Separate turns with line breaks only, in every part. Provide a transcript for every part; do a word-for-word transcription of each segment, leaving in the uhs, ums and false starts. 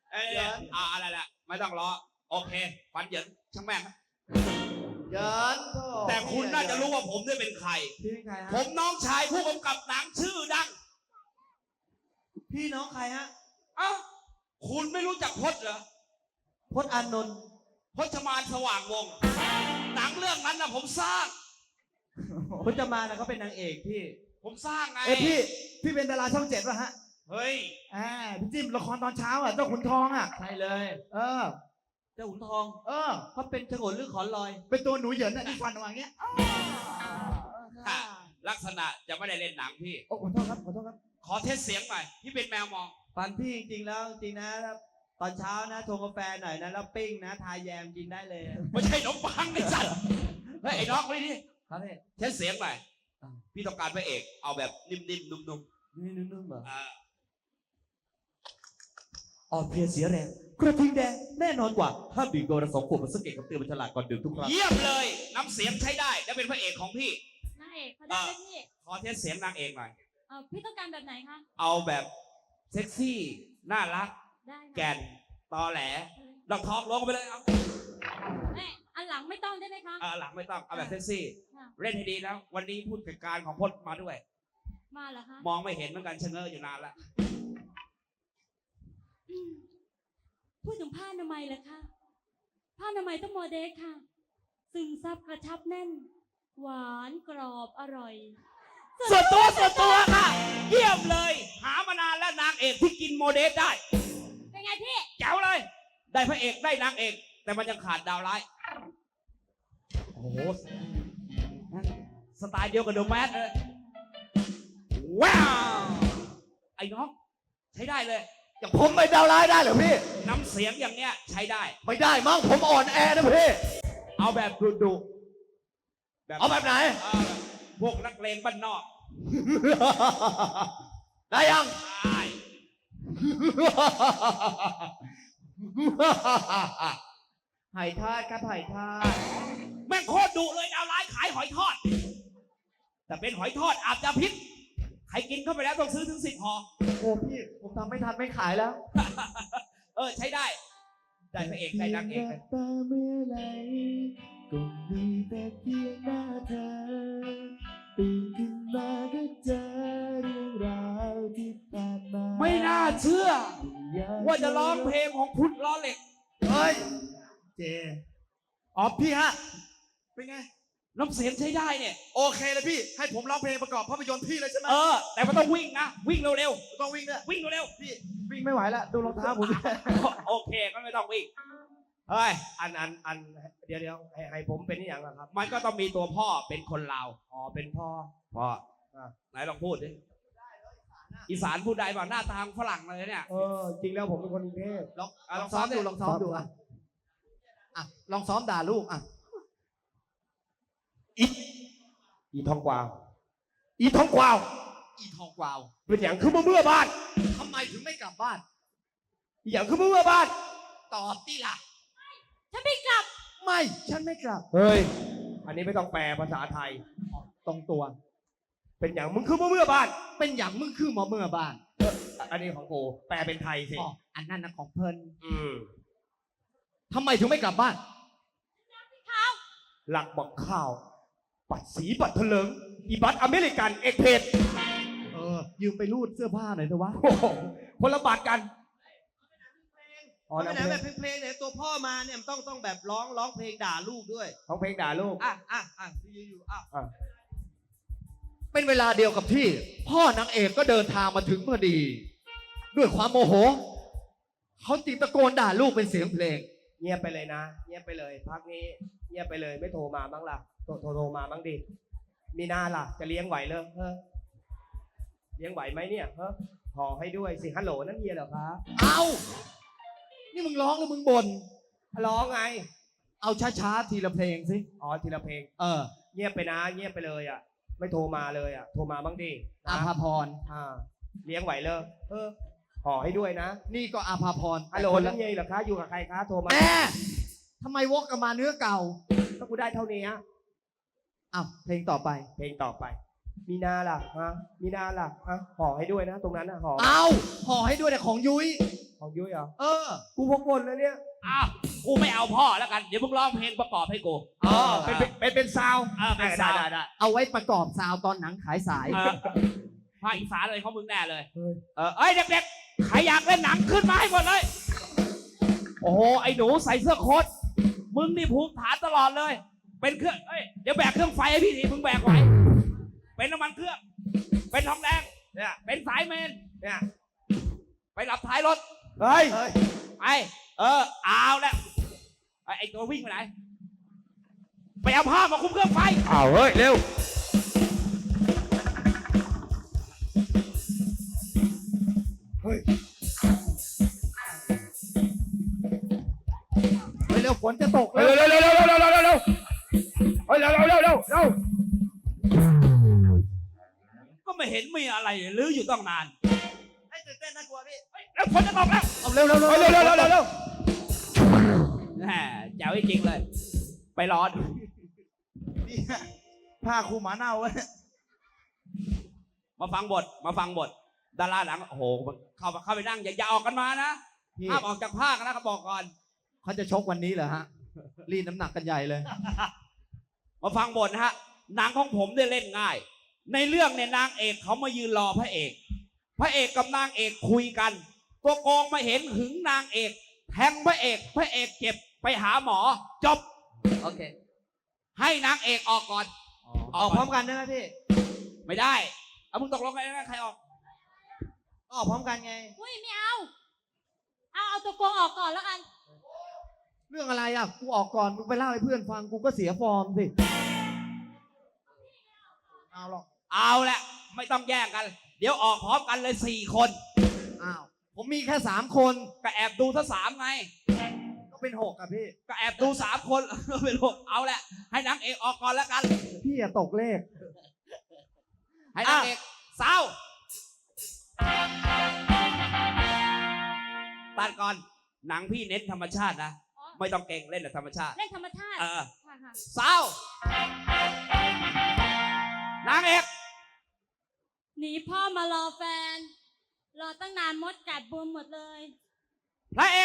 เอ้ยอ่าอะไรแหละไม่ต้องรอโอเคฟันเหยินช่างแม่ง
เยิน
แต่คุณน่าจะรู้ว่าผมเนี่ยเป็นใคร
พี่เป็นใครฮะ
ผมน้องชายผู้กำกับหนังชื่อดัง
พี่น้องใครฮะ
เอ้าคุณไม่รู้จักพจน์เหรอ
พจน์อานนท์
พจมานสว่างวงศ์หนังเรื่องนั้นนะผมสร้าง
พจมานนะเขาเป็นนางเอกพี่
ผมสร้างไง
เอ้พี่พี่เป็นดาราช่องเจ็ดป่ะฮะ
เฮ้ย
อ่าพี่จิ้มละครตอนเช้าอ่ะเจ้าขุนทองอ่ะใช่เลย เออ
เจ้าขุนทอง
เออ
เขาเป็นฉงนหรือขอนลอย
เป็นตัวหนูเหยินอ่ะที่ฟันออกมาอย่างเงี้ย
ค่ะ ลักษณะจะไม่ได้เล่นหนังพี่
โอ้ขอโทษครับขอโทษครับ
ขอเทสเสียงหน่อยพี่เป็นแมวมอง
ฟันพี่จริงๆแล้วจริงนะตอนเช้านะชงกาแฟหน่อยนะแล้วปิ้งนะทาแยมกินได้เลย
ไม่ใช่ขนมปังไอ้สัตว์เฮ้ยไอ้น้องไปดิ
ครับพี่
เทสเสียงหน่อยพี่ต้องการพระเอกเอาแบบนิ่มๆนุ่ม
นี่นุ่มๆเหรอ
ๆอ่า
อ่อนเพลียเสียแรงกระทิงแดงแน่นอนกว่าห้ามดื่มเกินวันละสองขวดมันสังเกตกับเตือนมันฉลาดก่อนดื่มทุกครั้ง
เยี่ยมเลยน้ำเสียงใช้ได้และเป็นพระเอกของพี่
นางเอกเขาได้ไหมพี่
ขอเทสเสียงนางเอกหน่อย
เออพี่ต้องการแบบไหนคะ
เอาแบบเซ็กซี่น่ารัก
ได้ค่ะ
แก่นตอแหลดอกทองลงไปเลยเอา
เอ้ยอันหลังไม่ต้องได้ไหมคะ
เอาหลังไม่ต้องเอาแบบเซ็กซี่
ค่ะ
เล่นให้ดีนะวันนี้ผู้จัดการของพจน์มาด้วย
มาเหรอคะ
มองไม่เห็นเหมือนกันชะเง้ออยู่นานแล้ว
อืมพูดถึงผ้าอนามัยเหรอคะผ้าอนามัยต้องโมเดลค่ะ ซึมซับกระชับแน่น หวานกรอบอร่อย
ส่วนตัวส่วนตัวค่ะ เยี่ยมเลย หามานานแล้วนางเอกที่กินโมเดลได้
เป็นไงพี่
แจ๋วเลย ได้พระเอกได้นางเอก แต่มันยังขาดดาวร้าย โอ้โหสไตล์เดียวกับเดอะแมสเลยว้าวไอ้น้องใช้ได้เลย
อย่างผมไม่ดาวร้ายได้เหรอพี่
น้ำเสียงอย่างเนี้ยใช้ได้
ไม่ได้มั้งผมอ่อนแอนะพี่
เอาแบบดุดุแบบ
เอาแบบไหน
เออพวกนักเลงบ้านนอก
ได้ยัง
ได้
ไห่ทอดครับไห่ทอด
แม่งโคตรดุเลยดาวร้ายขายหอยทอด แต่เป็นหอยทอดอาจจะพิษใครกินเข้าไปแล้วต้องซื้อถึงสิบห่อ
โอ้พี่ผมทำไม่ทันไม่ขายแล้ว
เออใช้ได้ ได้พระเอกได้นางเอกเลย
ตาเมื่อไหรก็มีแต่เพียงหน้าเธอตื่นขึ้นมาก็เจอเรื่องราวที่ผ่านมา
ไม่น่าเชื่อ ว่าจะร้องเพลงของพุทธล้อเหล็ก
เฮ้ยเจอ๋อพี่ฮะเป็นไง
น้ำเสียงใช้ได้เนี่ย
โอเคเลยพี่ให้ผมร้องเพลงประกอบภาพยนตร์พี่เลยใช่ไหม
เออ แต่มันต้องวิ่งนะ วิ่งเร็ว
ต้องวิ่งด้วย
ๆวิ่งเร็ว
พี่วิ่งไม่ไหวแล้วดูรองเท้าผม
ๆโอเคก็ไม่ต้องวิ่งเฮ้ย
อันอันอันเดี๋ยวเดี๋ยวให้ให้ผมเป็นอย่างไรครับ
มันก็ต้องมีตัวพ่อเป็นคนลาว
อ๋อเป็นพ่อ
พ่ออ่ะไหนลองพูดดิอีสานพูดได้เปล่าหน้าตาฝรั่งเลยเนี่ย
เออจริงแล้วผมเป็นคนกรุงเทพ
ลองลองซ้อมดูลองซ้อมดูอ่ะอ่ะลองซ้อมด่าลูกอ่ะ
อีทองกวาวอีทองกวาว
อีทองกวาว
เป็นอย่างคือเมื่อเมื่อบ้าน
ทำไมถึงไม่กลับบ้าน
อีอย่างคือเมื่อเมื่อบ้าน
ตอบที่ล่ะ
ฉันไม่กลับ
ไม่ฉันไม่กลับ
เฮ้ยอันนี้ไม่ต้องแปลภาษาไทย
ตรงตัว
เป็นอย่างมึงคือเมื่อเมื่อบ้าน
เป็นอย่างมึงคือหมอเมื่อบ้าน
อันนี้ของกูแปลเป็นไทยสิ
อ๋ออันนั้นนะของเพิ่น
อืม
ทำไมถึงไม่กลับบ้าน
หลักบอกข้าว ปัดสีปัดเถลิงอีบัตอเมริกันเอกเพจ
เออยืมไปรูดเสื้อผ้าหน่อยเถอะวะ
โอ้โหคนละบาทกันอ๋อ
ไม่
นะ
ได้แบบเพลงๆเนี่ยตัวพ่อมาเนี่ยมันต้องต้องแบบร้องร้องเพลงด่าลูกด้วย
ของเพลงด่าลูก
อ่ะอ่ะอ่ะอยู่อยู่อ่ะ
เป็นเวลาเดียวกับที่ พ่อนางเอกก็เดินทางมาถึงพอดี ด้วยความโมโห เขาจึงตะโกนด่าลูกเป็นเสียงเพลง
เงียบไปเลยนะ เงียบไปเลย พักนี้เงียบไปเลยไม่โทรมาบ้างล่ะโทรโทรโทรมาบ้างดิมีหน้าล่ะ จะเลี้ยงไหวเลยเออเลี้ยงไหวไหมเนี่ยเออห่อให้ด้วยสิฮัลโหลนั่นเฮียเหรอครับ
เอานี่มึงร้องหรือมึงบ่น
ร้องไง
เอาช้าๆทีละเพลงสิ
อ๋อทีละเพลง
เออ
เงียบไปนะ เงียบไปเลยอ่ะ ไม่โทรมาเลยอ่ะโทรมาบ้างดิ
อา
นะ
ภาพร
อ่าเลี้ยงไหวเลยเออห่อให้ด้วยนะ
นี่ก็อาภาพร
ฮัลโหล
แต่คน
นั่
ละ
นเฮียเหรอคะอยู่กับใครคะโทรมา
แม่ทำไมวกกลับมาเนื้อเก่า
ก็กูได้เท่านี้ฮะ
อ้าวเพลงต่อไป
เพลงต่อไป มีนาล่ะฮะมีนาล่ะฮะห่อให้ด้วยนะ ตรงนั้นนะห่อ
เอาห่อให้ด้วยแต่ของยุ้ย
ของยุ้ยเหรอ
เออ
กูพกบนแล้วเนี่ย
อ้าวกูไม่เอาพ่อแล้วกันเดี๋ยวมึงร้องเพลงประกอบให้กู
อ๋อเป็นเป็นเป็นเป็นซาวด์
เออเป็นซาวด์
ได้ได้
เอาไว้ประกอบซาวตอนหนังขายสาย
เออภาคอีสานอะไรของมึงแน่เลย
เฮ้ย
เออเอ้ยเด็กๆใครอยากเล่นหนังขึ้นมาให้หมดเลย โอ้โหไอ้หนูใส่เสื้อโค้ทมึงนี่ภูมิฐานตลอดเลย เป็นเครื่องเอ้ยเดี๋ยวแบกเครื่องไฟให้พี่ทีมึงแบกไว้เป็นน้ำมันเครื่อง เป็นทองแดง
เนี่ย
เป็นสายเมน
เนี่ย
ไปหลับท้ายรถ
เฮ้ย
ไอเออเอาแล้วไอ้ไอ้ตัววิ่งไปไหนไปเอาผ้ามาคุมเครื่องไฟ
อ้าวเฮ้ยเร็วเฮ้ย
เฮ้ยเร็วฝนจะตก
เร็วเร็วเร็วเร็วเร็วเร็วเร็วเร็วเฮ้ยเร็วเร็วเร็วเร็วเร็ว
ก็ไม่เห็นมีอะไรเลยลื้ออยู่ต้องนาน
ให้ตื่นเต้นน่ากลัวพี่
เฮ้ยแล้วฝนจะตกแล้ว
เอาเร็วเร็วเร็ว
เฮ้ยเร็วเร็วเร็วเร็วเร็ว
แหมแจ๋วจริงๆเลย ไปรอดู
นี่ผ้าคลุมหมาเน่าเว้ย
มาฟังบทมาฟังบทดาราหนังโอ้โหเข้าเข้าไปนั่งอย่าอย่าออกกันมานะ
พี่
ห้ามออกจากภาคนะเขาบอกก่อน
เขาจะชกวันนี้เหรอฮะ รีดน้ำหนักกันใหญ่เลย
มาฟังบทนะฮะหนังของผมเนี่ยเล่นง่าย ในเรื่องเนี่ยนางเอกเขามายืนรอพระเอก พระเอกกับนางเอกคุยกัน ตัวโกงมาเห็นหึงนางเอกแทงพระเอกพระเอกเจ็บไปหาหมอจบ
โอเค
ให้นางเอกออกก่อน
ออกพร้อมกันได้ไหมพี่
ไม่ได้เอามึงตกลงกันนะใครออก
ออกพร้อมกันไง
อุ้ยไม่เอา เอาเอาตัวโกงออกก่อนแล้วกัน
เรื่องอะไรอ่ะ กูออกก่อน มึงไปเล่าให้เพื่อนฟัง กูก็เสียฟอร์มสิ เอาหรอก
เอาแหละไม่ต้องแย่งกัน เดี๋ยวออกพร้อมกันเลยสี่คน
อ้าว ผมมีแค่สามคน
ก็แอบดูทั้งสามไง
ก็เป็นหกอ่ะพี่
ก็แอบดูสามคน เป็นหกเอาแหละให้นางเอกออกก่อนแล้วกัน
พี่อะตกเลข
ให้นางเอกเศร้าตัดก่อนหนังพี่เน้นธรรมชาตินะ
อ๋อ
ไม่ต้องเก่งเล่นแต่ธรรมชาติ
เล่นธรรมชาติ
เออ
ค่ะค่ะ
เศร้านางเอก
หนีพ่อมารอแฟน รอตั้งนานมดกัดบวมหมดเลย
พระเอก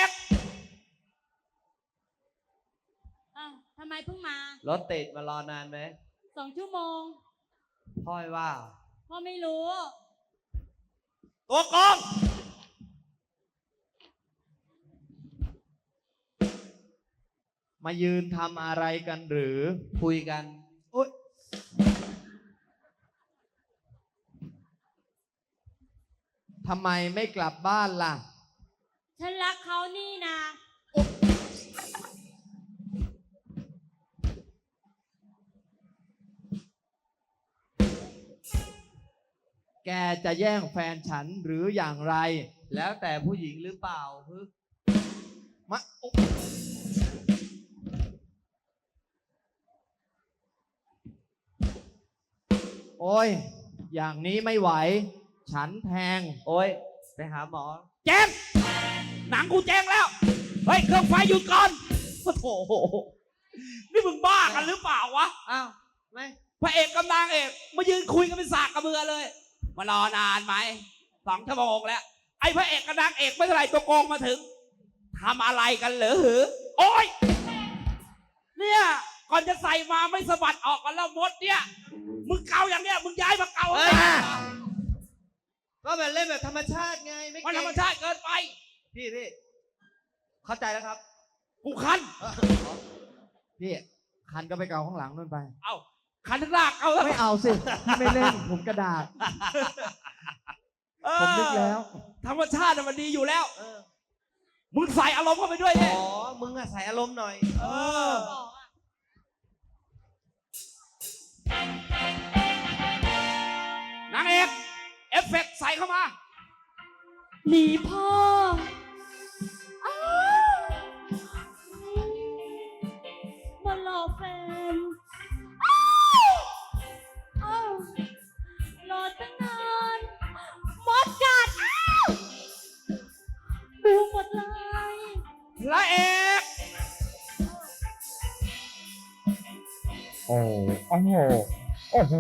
อ้าวทำไมเพิ่งมา
รถติดมารอนานไหม
สองชั่วโมง
พ่อยว่า
พ่อไม่รู้
ตัวโกง
มายืนทำอะไรกันหรือ
คุยกัน
โอ๊ย ทำไมไม่กลับบ้านล่ะ
ฉันรักเขานี่นะ
แกจะแย่งแฟนฉันหรืออย่างไร
แล้วแต่ผู้หญิงหรือเปล่าฮึ
มาโอ๊ะโอ้ย อย่างนี้ไม่ไหว ฉันแทง
โอ้ยไปหาหมอ
แจ้งหนังกูแจ้งแล้ว เฮ้ยเครื่องไฟหยุดก่อนโอ้โหนี่มึงบ้ากันหรือเปล่าวะ
อ้าวไม่
พระเอกกับนางเอกมายืนคุยกันเป็นสากกระเบือเลย มารอนานไหมสองชั่วโมงแล้ว ไอ้พระเอกกับนางเอกไม่เท่าไหร่ตัวโกงมาถึงทำอะไรกันเหรอหือ โอ้ยเนี่ยก่อนจะใส่มาไม่สะบัดออกกันแล้วมดเนี่ยมึงเกาอย่างเนี้ยมึงย้ายมาเกา
เฮ้ย
อ่ะ
ก็แบบเล่นแบบธรรมชาติไงไม่
มันธ
เก่
รง รมชาติเกินไป
พี่พี่เข้าใจแล้วครับ
กูคัน
พี่ คันก็ไปเกาข้างหลังนู่นไป
เอ้าคันทั้งลากเอาแล้ว
ไม่เอาสิพี่ไม่เล่น ผมกระดาษ
เออ
ผมนึกแล้ว
ธรรมชาติน่ะมันดีอยู่แล้ว
เออ
มึงใส่อารมณ์เข้าไปด้วย
อ๋
เนี่ย
อ มึงอะใส่อารมณ์หน่อย
เออ
บอกอะ
นางเอกเอฟเฟกต์ใส่เข้ามา
หนีพ่ออ้าวมารอแฟน อ้าวอ้าวรอตั้งนานมดกัด อ้าวดูหมดเลย
พระเอก
โอ้โอ้โหโอ้โห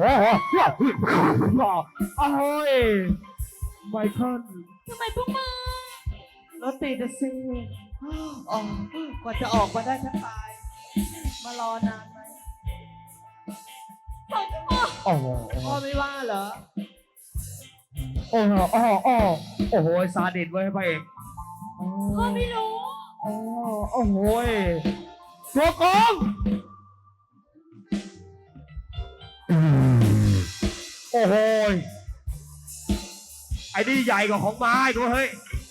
โอ้ยไมเคิล
ทำไมเพิ่งมา
ร
รถติดอะสิอ๋อกว่าจะออกมาได้แทบตาย มารอนานไหม
โอ้โห
พ่อไม่ว่าเหรอ
โอ้โหโอ้โหโอ้โหโอ้โหซาดิสเว้ยพระเอกโอ้
พ่อไม่รู้
โอ้โอ้โหตัวโกงโอ้โหไอ้นี่ใหญ่กว่าของไม้ตัวเฮ้ย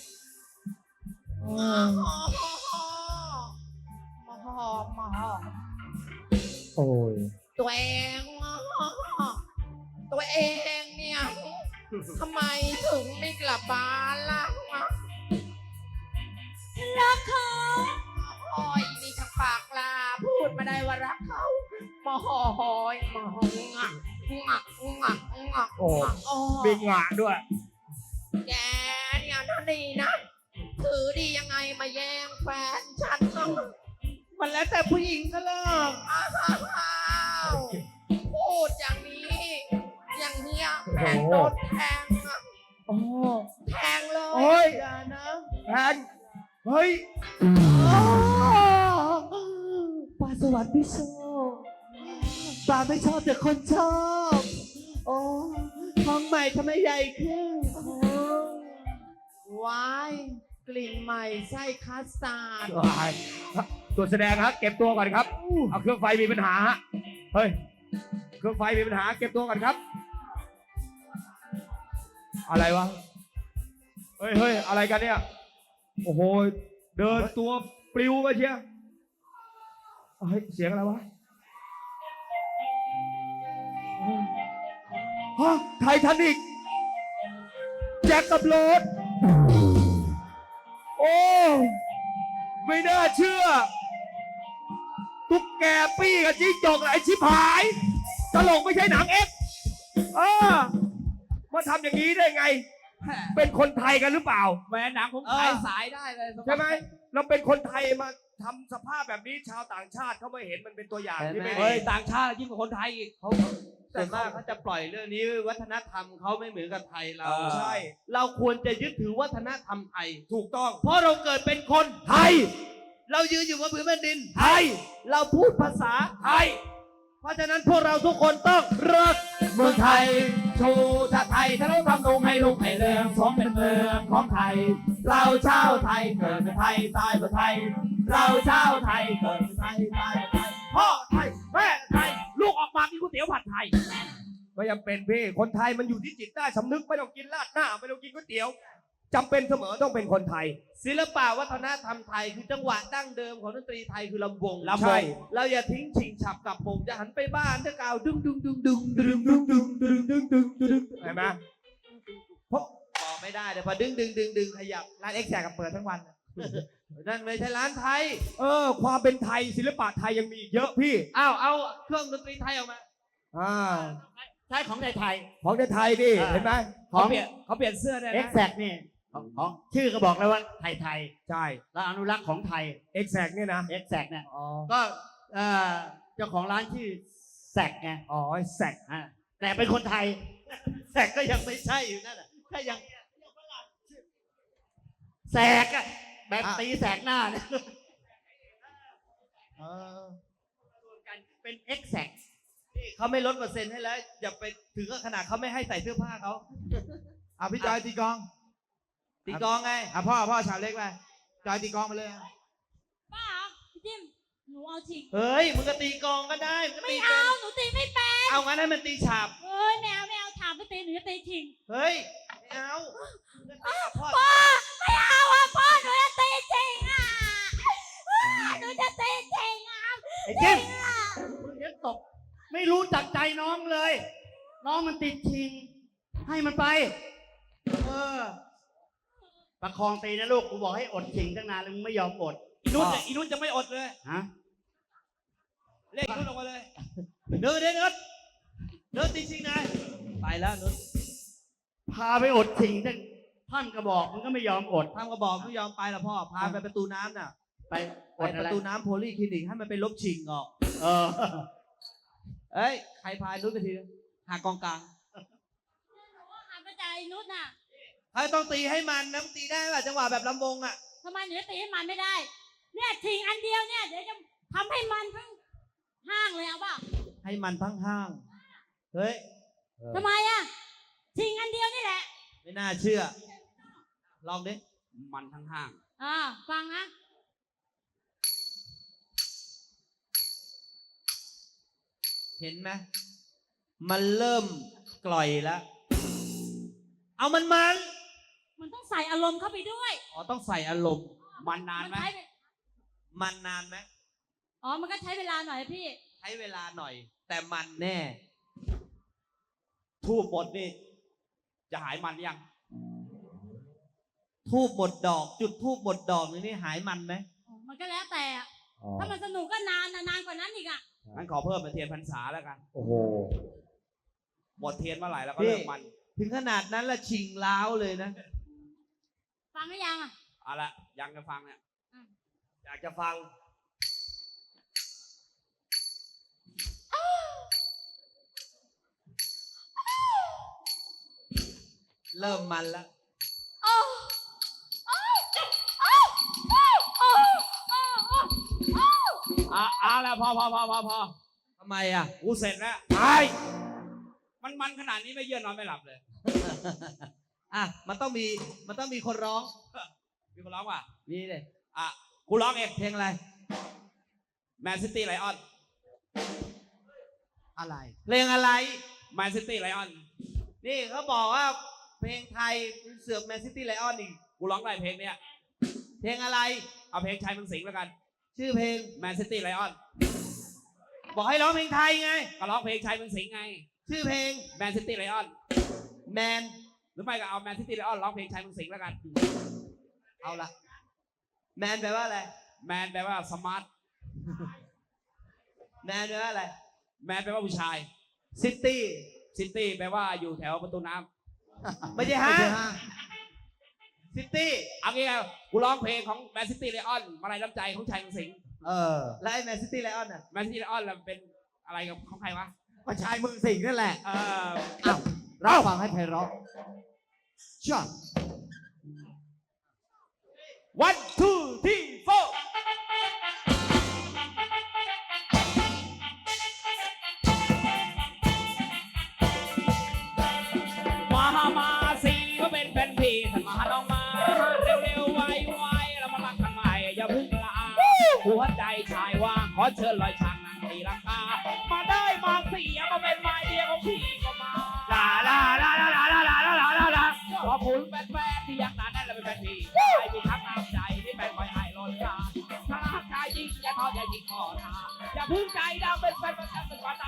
โอ้ย
ตัวเองตัวเองเนี่ยทำไมถึงไม่กลับบ้านล่ะ
รักเขา
โอ้ยนี่ช่างปากลาพูดมาได้ว่ารักเขามาหอยมาหงะงะงะงะ
โอ้
โอ้
มีงะด้วย
แกเนี่ยนั่นนี่นะ ถือดียังไงมาแย่งแฟนฉันเนาะ
มันแล้วแต่ผู้หญิงก็เลิก
อ้าวพูดอย่างนี้ อย่างเนี้ยแฟนโดนแทงอะ
โอ้
แทงเลย
โอ้ย
อย่านะ
แทนเฮ้ย
ปลาสวรรค์พี่ชอบปลาไม่ชอบแต่คนชอบ โอ้ท้องใหม่ทำไมใหญ่ขึ้นโอ้
ว้ายกลิ่นใหม่ไส้คัสตาร์ด
ตัวแสดงฮะเก็บตัวก่อนครับเอาเครื่องไฟมีปัญหาฮะเฮ้ยเครื่องไฟมีปัญหาเก็บตัวก่อนครับ อะไรวะเฮ้ยเฮ้ยอะไรกันเนี่ยโอ้โหเดินตัวปลิวมาเชียเฮ้ยเสียงอะไรวะฮะไททานิกแจ็คกับโรสโอ้ไม่น่าเชื่อตุ๊กแกปี้กับจิ้งจกไอ้ชิบหายตลกไม่ใช่หนังเอ็กซ์เออมาทำอย่างนี้ได้ไง เป็นคนไทยกันหรือเปล่า
แหวนหนังผมขายสายได้เลย
ใช่ไหมเราเป็นคนไทยมาทำสภาพแบบนี้ชาวต่างชาติเขาไม่เห็นมันเป็นตัวอย่างที่ไม่ดี
เฮ้ยต่างชาติยิ่งกว่าคนไทยอีกเขา
ส่วนมากเขาจะปล่อยเรื่องนี้วัฒนธรรมเขาไม่เหมือนกับไทยเรา
เออ
ใช่
เราควรจะยึดถือวัฒนธรรมไทย
ถูกต้อง
เพราะเราเกิดเป็นคน
ไทย
เรายืนอยู่บนพื้นแผ่นดิน
ไทย
เราพูดภาษา
ไทย
เพราะฉะนั้นพวกเราทุกคนต้องรัก
เมืองไทยชูชาติไทยถ้าเราทำลงให้ลุกให้เรืองสมเป็นเมืองของไทย เราชาวไทยเกิดเป็นไทยตายเป็นไทย เราชาวไทยเกิดเป็นไทยตายเป็นไทยพ่อไทยแม่ไทยลูกออกมากินก๋วยเตี๋ยวผัดไทย
ไม่จำเป็นพี่คนไทยมันอยู่ที่จิตใต้สำนึกไม่ต้องกินราดหน้าไม่ต้องกินก๋วยเตี๋ยวจำเป็นเสมอต้องเป็นคนไทย
ศิลปะวัฒนธรรมไทยคือจังหวะดั้งเดิมของดนตรีไทยคือลำวง
ลำวงใช่
เราอย่าทิ้งฉิงฉับกับผมจะหันไปบ้านถ้ากล่าวดึงดึงดึงดึงดึงดึงดึงดึงดึงดึงดึง
เห็นไหม
บอกไม่ได้เดี๋ยวพอดึงดึงดึงดึงขยับร้านเอ็กแซกกับเปิดทั้งวันนั่นไม่ใช่ร้านไทย
เออความเป็นไทยศิลปะไทยยังมีอีกเยอะพี่
อ้าวเอาเครื่องดนตรีไทยออกมา
อ่า
ใช้ของไทยไทย
ของไทยดิเห็นไหม
ของ
เขาเปลี่ยนเขาเปลี่ยนเสื้อได้
เอ็ก
นะ
แซกนี่ของของชื่อก็บอกแล้วว่าไทยไทย
ใช่
แล้วอนุรักษ์ของไทย
เอ็กแซกเนี่ยนะ
เอ็กแซกเนี่ย
อ๋อ
ก็เอ่อเจ้าของร้านชื่อแซกไง
อ๋อแซก
อ่าแต่เป็นคนไทย แซกก็ยังไม่ใช่อยู่นั่นแหละก็ยังแซกอะแบบตีแสกหน้าเนี่ย
เออ
รวมกันเป็นเอ็กแซก
นี่เขาไม่ลดเปอร์เซ็นต์ให้แล้วอย่าไปถึงกับขนาดเขาไม่ให้ใส่เสื้อผ้าเขา
อ่ะพี่จอยตีกลอง
ตีกลองไง
อ่ะพ่อพ่อชาวเล็กไปจอยตีกลองมาเลยอ่ะ
ป้าพี่จิ้มหนูเอาชิง
เฮ้ยมึงก็ตีกลองก็ได้มึงก็
ไม่
ตี
เอา
เป็น
หนูตีไม่เป็น
เอางั้นให้มันตีฉาบ
เฮ้ยไม่เอาไม่เอาถามไปตีหนูจะตีชิง
เฮ้ยไม่เอามึงก็ตีกับพ่อ
พ่อไม่เอาอ่ะพ่อหนูจะตีจริงอ่ะหนูจะตีจริงอ่ะ
ไอ้จิ้มมึงจะตบไม่รู้จักใจน้องเลย น้องมันติดชิง ให้มันไป เออ ประคองตีนะลูก กูบอกให้อดชิงตั้งนานแล้วมึงไม่ยอมอด
อีนุ่นจะอีนุ่นจะไม่อดเลย
ฮะ
เลขอีนุ่นออกมาเลย
เดินเดินเดินเดินตีชิงนายไปแล้วนุช
พาไปอดชิงตั้งท่านก็บอกมึงก็ไม่ยอมอด
ทำกระบอกไม่ยอมไปหรอกพ่อพาไปประตูน้ำน่ะ
ไป
ไป
อด
ป
อะไร
ระตูน้ำโพลีคลินิกให้มันไปลบชิงออก
เออ
เอ้ยใครพายนุชไปทีหากองกลาง
หนูหันไปใจนุชน่ะ
ใครต้องตีให้มันนะมึงตีได้ป่ะจังหวะแบบลำวงอ่ะ
ไทำไมหนูจะตีให้มันไม่ได้ เนี่ยชิงอันเดียวเนี่ยเดี๋ยวจะทำให้มันทั้งห้างเลยเอาป่ะ
ให้มันทั้งห้าง เฮ้ย
ทำไมอะชิงอันเดียวนี่แหละ
ไม่น่าเชื่อ ลองดิ
มันทั้งห้าง
อ่าฟังนะ
เห็นไหม มันเริ่มกล่อยแล้ว เอามันมัน
มันต้องใส่อารมณ์เข้าไปด้วย
อ๋อ ต้องใส่อารมณ์
มันนานไหม
ใช้เว
มันนานไหม
อ๋อมันก็ใช้เวลาหน่อยพี่
ใช้เวลาหน่อย แต่มันแน่ ทูบหมดนี่
จะหายมันหรือยัง
ทูบหมดดอก จุดทูบหมดดอกนี่หายมันไหม
มันก็แล้วแต่อะถ้ามันสนุกก็นานนะนานกว่านั้นอีกอะ
งั้นขอเพิ่มเป็นเทียนพรรษาแล้วกัน
โอ้โห
หมดเทียนเมื่อไหร่แล้วก็
พี่
เลิกมัน
ถึงขนาดนั้นละชิงล้าวเลยนะ
ฟังหรือยังอะ
เอาละยังจะฟังเนี่ย
อยากจะฟัง
เริ่มมันละ
โอ้โอ้โอ้โอ้โอ้โอ้โอ้โอ้
อ่ะเอาละพอพอพอพอพอ
ทำไมอ่ะ
กูเสร็จแล้วไปมันมันขนาดนี้ไม่เยื่อนอนไม่หลับเลย
อ่ะ มันต้องมี มันต้องมีคนร้อง
มีคนร้องว่ะ
มีเลย
อ่ะกูร้องเอง
เพลงอะไร
แมนซิตี้ไลออน
อะไร
เพลงอะไร
แมนซิตี้ไลออน
นี่เขาบอกว่าเพลงไทยเสือกแมนซิตี้ไลออนอีก
กูร้องได้เพลงเนี้ย
เพลงอะไร
เอาเพลงชายเมืองสิงห์แล้วกัน
ชื่อเพลง
แมนซิตี้ไลออน
บอกให้ร้องเพลงไทยไง
ก็ร้องเพลงชายเมืองสิงห์ไง
ชื่อเพลง
แมนซิตี้ไลออน
แมน
หรือไม่ก็เอาแมนซิตี้ไลออนร้องเพลงชายเมืองสิงห์แล้วกัน
เอาละแมนแปลว่าอะไร
แมนแปลว่าสมาร์ท
แมนแปลว่าอะไร
แมนแปลว่าผู้ชาย
ซิตี้
ซิตี้แปลว่าอยู่แถวประตูน้ำ
ไม่ใช่ฮะ
ไม่ใช่ห้าง
ซิตี้
เอางี้ไงกูร้องเพลงของแมนซิตี้ไลออนมาลัยน้ำใจของชายเมืองสิงห์
เออ
แล้วไอ้แมนซิตี้ไลออนอ่ะ
แมนซิตี้ไลออนเป็นอะไรกับของใครวะ
ก็ชายเมืองสิงห์นั่นแหละ
เออ
อ้าวรับฟังให้ไพเราะจ้า
one two three four มามาสีก็เป็นแฟนพี่ท่านมาลองมาเร็วๆไวๆเรามารักกันใหม่อย่าเพึ่งละอาหัวใจชายว่างขอเชิญลอยช้างนั่งตีลังกามาได้มาเสียมาเป็นไม้เดียวของพี่ก็มาลาลาลาลาลาลาลาลาลาลาลาขอบคุณแฟนๆที่ยังหนาแน่นและเป็นแฟนพี่ใครมีทักน้ำใจที่เป็นคอยให้ล้นกาถ้าใจจริงอย่าทอดอย่าทิ้งคอทาอย่าพึ่งใจดำเป็นแฟนประจำเป็นวันตา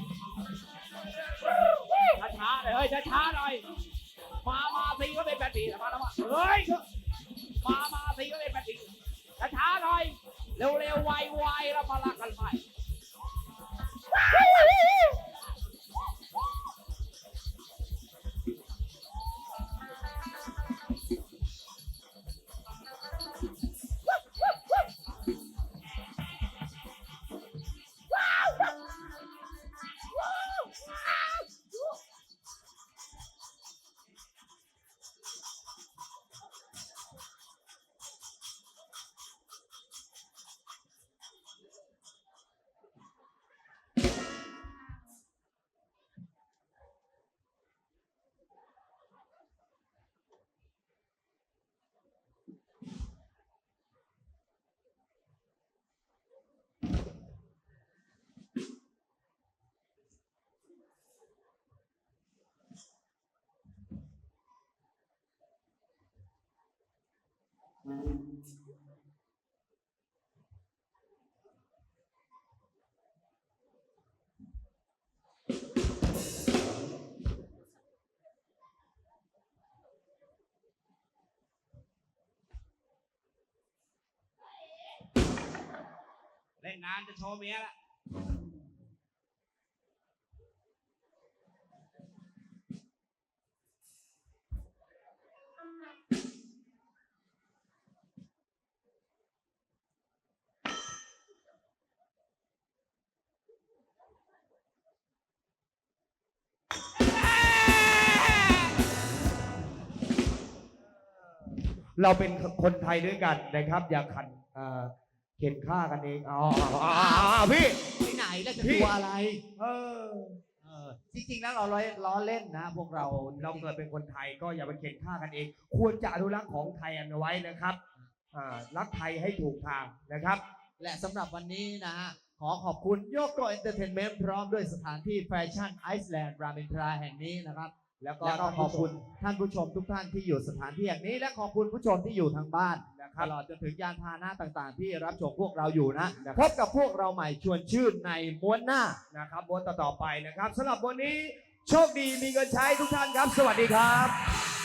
ช้าๆเลยเฮ้ยช้าๆหน่อยมา มาสีก็เป็นแฟนผีมาแล้วมาเฮ้ย มา มาสีก็เป็นแฟนผีช้าๆหน่อย เร็วๆ ไวๆ แล้วมารักกันใหม่เล่นงานจะโชว์เมียละ
เราเป็นคนไทยด้วยกันนะครับ อย่าขันเอ่อเข็นฆ่ากันเองอ๋ออ๋ออ๋อพี่
ที่ไหนแล้วจะ
พี่
ตัวอะไร
เออ
เออ จริงๆ แล้วเราล้อล้อเล่นนะ พวกเรา
เราเกิดเป็นคนไทยก็อย่าไปเข็นฆ่ากันเอง ควรจะอนุรักษ์ของไทยอันไว้นะครับอ่ารักไทยให้ถูกทางนะครับ
และสำหรับวันนี้นะฮะ ขอขอบคุณโยโกเอนเตอร์เทนเมนต์พร้อมด้วยสถานที่แฟชั่นไอซ์แลนด์รามอินทราแห่งนี้นะครับ
แล้วก็
แล้วก็ขอบคุณท่านผู้ชมทุกท่านที่อยู่สถานที่แห่งนี้ และขอบคุณผู้ชมที่อยู่ทางบ้านตลอดจนถึงยานพาหนะต่างๆ ที่รับชมพวกเราอยู่นะพบกับพวกเราใหม่ชวนชื่นในม้วนหน้า
นะครับวนต่อๆไปนะครับสำหรับวันนี้โชคดีมีเงินใช้ทุกท่านครับ สวัสดีครับ